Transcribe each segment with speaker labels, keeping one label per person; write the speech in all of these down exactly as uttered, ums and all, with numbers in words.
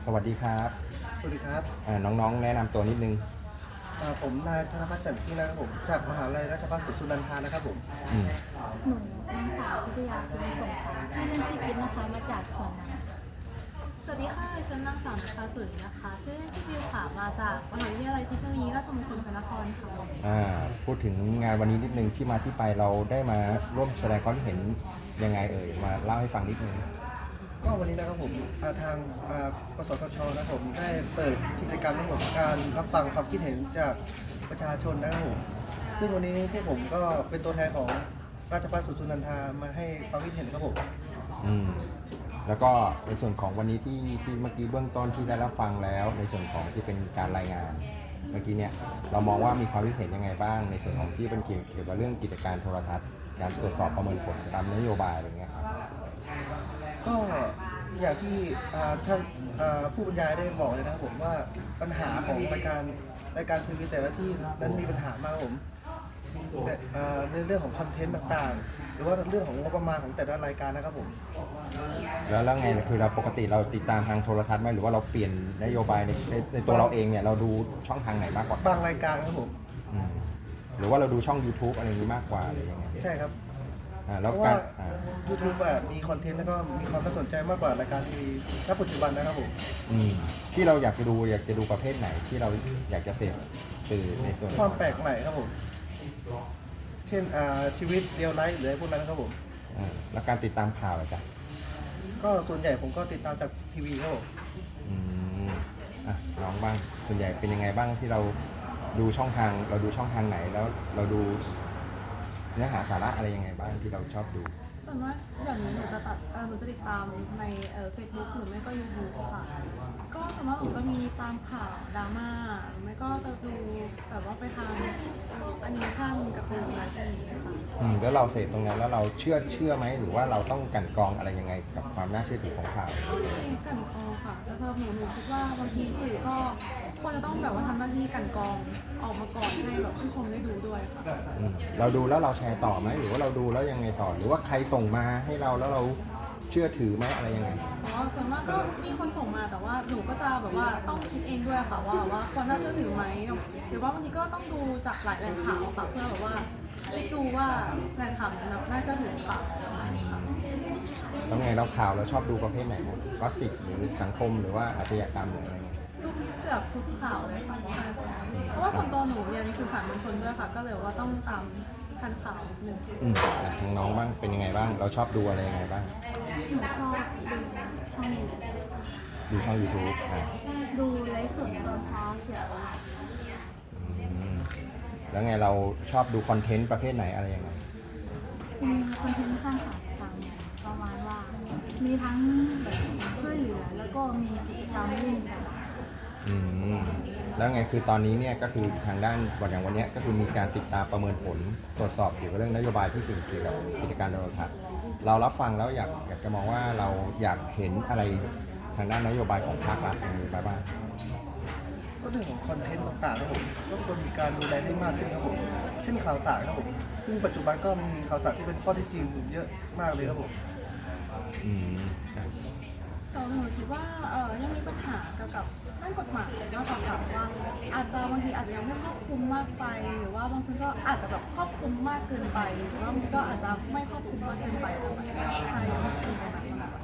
Speaker 1: สวัสดีครับ
Speaker 2: สวัสดีครับ
Speaker 1: อ่าน้องๆแนะนำตัวนิดนึง
Speaker 2: อ่าผมนายธนพัฒน์แจ่มยิ่งนะครับผมจากมหาวิทยาลัยราชภัฏศรีสุนันทานะครับผม
Speaker 1: อืม
Speaker 3: หนูนางสาวพิทยาชุมสงขลาชื่อเล่นชื่อกิ๊บนะคะมาจากสวนน้ำค่ะ
Speaker 4: สวัสดีค่ะฉันนางสาวนัชชาสุรินะคะ ชื่อเล่นชื่อบิวค่ะ มาจากมหาวิทยาลัยเทคโนโลยีราชมงคลพระนครค่ะ
Speaker 1: อ่าพูดถึงงานวันนี้นิดนึงที่มาที่ไปเราได้มาร่วมแสดงความคิดเห็นยังไงเอ่ยมาเล่าให้ฟังนิดนึง
Speaker 2: ก็วันนี้นะครับผมอ่าทางอ่ากสทชนะครับผมได้เปิดกิจกรรมทั้งหมดการรับฟังความคิดเห็นจากประชาชนนะครับผมซึ่งวันนี้พวกผมก็เป็นตัวแทนของราชภัฏศรีสุนันทามาให้ความคิดเห็นครับผม
Speaker 1: อืมแล้วก็ในส่วนของวันนี้ที่ที่เมื่อกี้เบื้องต้นที่ได้รับฟังแล้วในส่วนของที่เป็นการรายงานเมื่อกี้เนี่ยเรามองว่ามีความคิดเห็นยังไงบ้างในส่วนของที่เป็นเกี่ยวกับเรื่องกิจการโทรทัศน์การตรวจสอบประเมินผลตามนโยบายอะไรเงี้ยครับ
Speaker 2: ก็อย่างที่อ่าท่านอ่าผู้บรรยายได้บอกเลยนะครับผมว่าปัญหาของรายการรายการทีวีแต่ละที่นั้นมีปัญหามากครับผมแต่อ่าในเรื่องของคอนเทนต์ต่างๆ หรือว่าเรื่องของงบประมาณของแต่ละรายการนะครับผม
Speaker 1: แล้วแล้วไงคือเราปกติเราติดตามทางโทรทัศน์ไหมหรือว่าเราเปลี่ยนนโยบายในในในตัวเราเองเนี่ยเราดูช่องทางไหนมากกว่า
Speaker 2: บางรายการครับผม
Speaker 1: อืมหรือว่าเราดูช่อง YouTube อะไรอย่างนี้มากกว่าหรือยังไง
Speaker 2: ใช่ครับ
Speaker 1: อ่า
Speaker 2: เพ
Speaker 1: แล้ว
Speaker 2: ราะว่า
Speaker 1: การอ่า
Speaker 2: YouTube แบบมีคอนเทนต์แล้วก็มีความน่าสนใจมากกว่ารายการทีวีณปัจจุบันนะครับผม
Speaker 1: อืมที่เราอยากจะดูอยากจะดูประเภทไหนที่เราอยากจะเสพสื่อในส่วน
Speaker 2: ความแปลกใหม่ครับผมเช่นอ่าชีวิตเรียลไลฟ์หรืออะไรพวกนั้นครับผม
Speaker 1: อ่าแล้วการติดตามข่าวอะจ๊ะ
Speaker 2: ก็ส่วนใหญ่ผมก็ติดตามจากทีวีครับผม
Speaker 1: อืมอ่ะน้องบ้างส่วนใหญ่เป็นยังไงบ้างที่เราดูช่องทางเราดูช่องทางไหนแล้วเราดูเนื้อหาสาระอะไรยังไงบ้างที่เราชอบดู
Speaker 4: ส่วนมากเดี๋ยวนี้หนูจะตัดเอ่อหนูจะติดตามในเอ่อเฟซบุ๊กหรือไม่ก็ยูทูบค่ะ ก็ส่วนมากหนูจะมีตามข่าวดราม่าหรือไม่ก็จะดูแบบว่าไปทางพวกแอนิเมชันการ์ตูนอะไรพวกนี้ค่ะ
Speaker 1: อืมแล้วเราเสพตรงนั้นแล้วเราเชื่อเชื่อไหมหรือว่าเราต้องกลั่นกรองอะไรยังไงกับความน่าเชื่อถือของข่าว
Speaker 4: ก็มีกลั่นกรองค่ะแต่สำหรับหนูหนูคิดว่าบางทีสื่อก็ควรจะต้องแบบว่าทำหน้าที่กลั่นกรองออกมาก่อนให้แบบผู้ชมได้ดูด้วยค่ะ
Speaker 1: อืมเราดูแล้วเราแชร์ต่อไหมหรือว่าเราดูแล้วยังไงต่อหรือว่าใครส่งมาให้เราแล้วเราเชื่อถือไหมอะไรยังไง
Speaker 4: อ๋อส่วนมากก็มีคนส่งมาแต่ว่าหนูก็จะแบบว่าต้องคิดเองด้วยค่ะว่าว่าควรน่าเชื่อถือไหมหรือว่าบางทีก็ต้องดูจากหลายแหล่งข่าวค่ะเพื่อแบบว่าเช็คดูว่าแหล่งข่าวนั้นน่าเชื่อถือหรือเปล่าประมาณนี้ค่ะ
Speaker 1: แล้วไงเราข่าวเราชอบดูประเภทไหนนะก็สิบหรือสังคมหรือว่าอาชญากรรมหรืออะไรเงี้ย
Speaker 4: ดูเกือบทุกข่าวเลยค่ะเพราะว่าส่วนตัวหนูเรียนสื่อสารมวลชนด้วยค่ะก็เลยว่าต้องตามทันข่าวนิดนึง
Speaker 1: อืมอ่ะทางน้องบ้างเป็นยังไงบ้างเราชอบดูอะไรยังไงบ้าง
Speaker 3: หนูชอบดูช่องยูทูบ
Speaker 1: ดูช่อง YouTube อ่ะ
Speaker 3: ดูไลฟ์สดตอนเช้าเกี่ยวกับ
Speaker 1: อืมแล้วไงเราชอบดูคอนเทนต์ประเภทไหนอะไรยังไง
Speaker 3: มีคอนเทนต์สร้างสรรค์ค่ะประมาณว่ามีทั้งแบบช่วยเหลือแล้วก็มีกิจกรรมเล่นกัน
Speaker 1: อืมแล้วไงคือตอนนี้เนี่ยก็คือทางด้านวันอย่างวันเนี้ยก็คือมีการติดตามประเมินผลตรวจสอบเกี่ยวกับเรื่องนโยบายที่สิ่งเกี่ยวกับกิจการโทรทัศน์เรารับฟังแล้วอยากอยากจะมองว่าเราอยากเห็นอะไรทางด้านนโยบายของภาครัฐอย่างนี้บ้าง
Speaker 2: ก็เรื่องของคอนเทนต์ต่างๆครับผมก็ควรมีการดูแลให้มากขึ้นครับผมเช่นข่าวสารครับผมซึ่งปัจจุบันก็มีข่าวสารที่เป็นข้อเท็จจริงเยอะมากเลยครับผม
Speaker 1: อืม
Speaker 4: สำหรับหนูคิดว่าเออยังมีปัญหาเกี่ยวกับด้านกฎหมายมากกว่าค่ะว่าอาจจะบางทีอาจจะยังไม่ครอบคลุมมากไปหรือว่าบางทีก็อาจจะแบบครอบคลุมมากเกินไปหรือว่าบางทีก็อาจจะไม่ครอบคลุมมากเกินไปอะไรแบบนี้ใช่ยังไม่เป็นตรงนั้นมากกว่า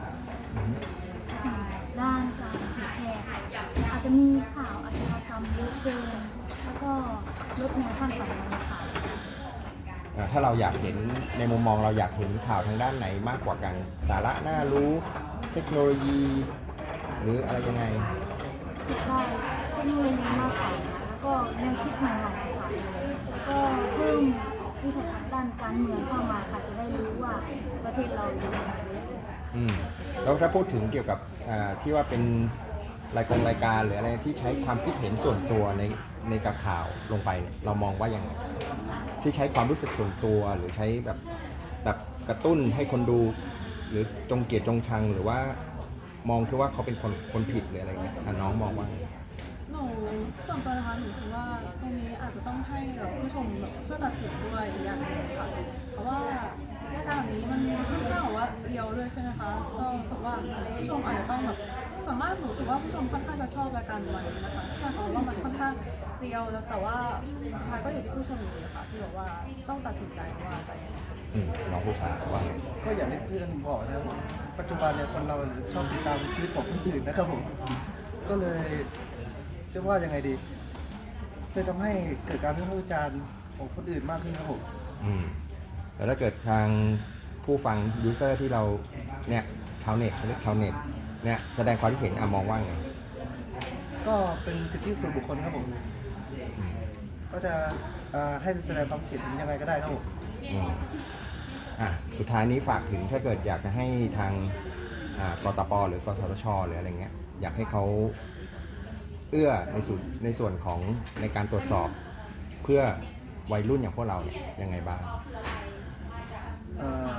Speaker 3: ด้านการเผยแพร่ค่ะอาจจะมีข่าวอาชญากรรมเยอะเกินแล้วก็ลดแนวขั้นสำคัญในข่าว
Speaker 1: อ่าถ้าเราอยากเห็นในมุมมองเราอยากเห็นข่าวทางด้านไหนมากกว่ากันสาระน่ารู้เทคโนโลยีหรืออะไรยังไง
Speaker 3: ได้เทคโนโลยีมากกว่าแล้วก็แนวคิดใหม่ๆค่ะแล้วก็เพิ่มวิสัยทัศน์ด้านการเมืองเข้ามาค่ะจะได้รู้ว่าประเทศเราจะเป็นยังไง
Speaker 1: อืมแล้วถ้าพูดถึงเกี่ยวกับอ่าที่ว่าเป็นรายกงรายการหรืออะไรที่ใช้ความคิดเห็นส่วนตัวในในกับข่าวลงไปเนี่ยเรามองว่ายังไงที่ใช้ความรู้สึกส่วนตัวหรือใช้แบบแบบกระตุ้นให้คนดูหรือจงเกลียดจงชังหรือว่ามองคือว่าเขาเป็นคนคนผิดหรืออะไรเงี้ยน้องมองว่าไง
Speaker 4: หนูส่วนตัวนะคะหนูคิดว่าตรงนี้อาจจะต้องให้ผู้ชมแบบช่วยตัดสินด้วยอย่างหนึ่งค่ะเพราะว่า รายการแบบนี้มันค่อนข้างแบบว่าเรียวด้วยใช่ไหมคะก็รู้สึกว่าผู้ชมอาจจะต้องแบบส่วนมากหนูรู้สึกว่าผู้ชมค่อนข้างจะชอบรายการวันนี้นะคะใช่เพราะว่ามันค่อนข้างเรียวแล้วแต่ว่าสุดท้ายก็อยู่ที่ผู้ชมอยู่ดีค่ะที่บอกว่าต้องตัดสินใจว่าจะยังไง
Speaker 1: อืมน้องผู้ชายว่าไง
Speaker 2: ก็อย่างที่เพื่อนบอกนะครับผมปัจจุบันเนี่ยคนเราเนี่ยชอบติดตามชีวิตของคนอื่นนะครับผมก็เลยจะว่ายังไงดีเลยทำให้เกิดการวิพากษ์วิจารณ์ของคนอื่นมากขึ้นครับผม
Speaker 1: อืมแล้วถ้าเกิดทางผู้ฟังยูเซอร์ที่เราเนี่ยชาวเน็ตเขาเรียกชาวเน็ตเนี่ยแสดงความคิดเห็นอ่ะมองว่าไง
Speaker 2: ก็เป็นสิทธิส่วนบุคคลครับผม
Speaker 1: อืม
Speaker 2: ก็จะอ่าให้แสดงความคิดเห็นยังไงก็ได้ครับผม
Speaker 1: อืมอ่ะสุดท้ายนี้ฝากถึงถ้าเกิดอยากจะให้ทางอ่ากตปหรือกสทชหรืออะไรเงี้ยอยากให้เขาเอื้อในส่วนในส่วนของในการตรวจสอบเพื่อวัยรุ่นอย่างพวกเราเนี่ยยังไงบ้าง
Speaker 2: เอ่อ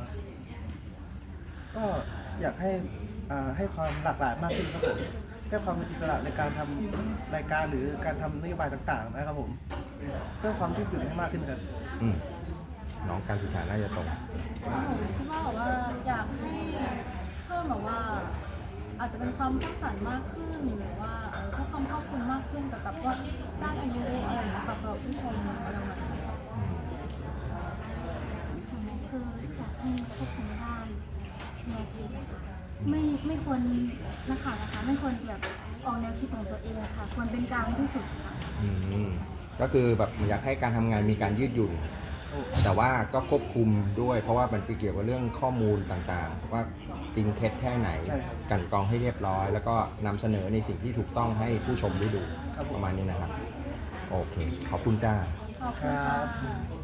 Speaker 2: ก็อยากให้อ่าให้ความหลากหลายมากขึ้นครับผมให้ความเป็นอิสระในการทำรายการหรือการทำนโยบายต่างๆนะครับผมเพื่อความยืดหยุ่นให้มากขึ้นครับ
Speaker 1: อืมน้องการศึกษาน่าจะตรง
Speaker 4: หนูคิดว่าแบบว่าอยากให้เพิ่มแบบว่า อาจจะเป็นความสร้างสรรค์มากขึ้นหรือว่าเอ่อเพิ่มความครอบคลุมมากขึ้นกับกับว่าด้านอายุอะไรอย่างเงี้ยค่ะสำหรับผู้ชมอะไรแบบนี้
Speaker 1: อืม
Speaker 3: ของหนูคืออยากให้ควบคุมด้านแนวคิดนะคะไม่ไม่ควรนักข่าวนะคะไม่ควรแบบออกแนวคิดของตัวเองค่ะควรเป็นกลางที่สุดค่ะ
Speaker 1: อืมก็คือแบบอยากให้การทำงานมีการยืดหยุ่น แต่ว่าก็ควบคุมด้วย เพราะว่ามันไปเกี่ยวกับเรื่องข้อมูลต่างๆ ว่าจริงเท็จแค่ไหน
Speaker 2: ใช่ครับ
Speaker 1: กลันกรองให้เรียบร้อย แล้วก็นำเสนอในสิ่งที่ถูกต้องให้ผู้ชมได้ดู
Speaker 2: ครับผม
Speaker 1: ประมาณนี้นะครับ โอเค ขอบคุณจ้า
Speaker 4: ขอบคุณค่ะ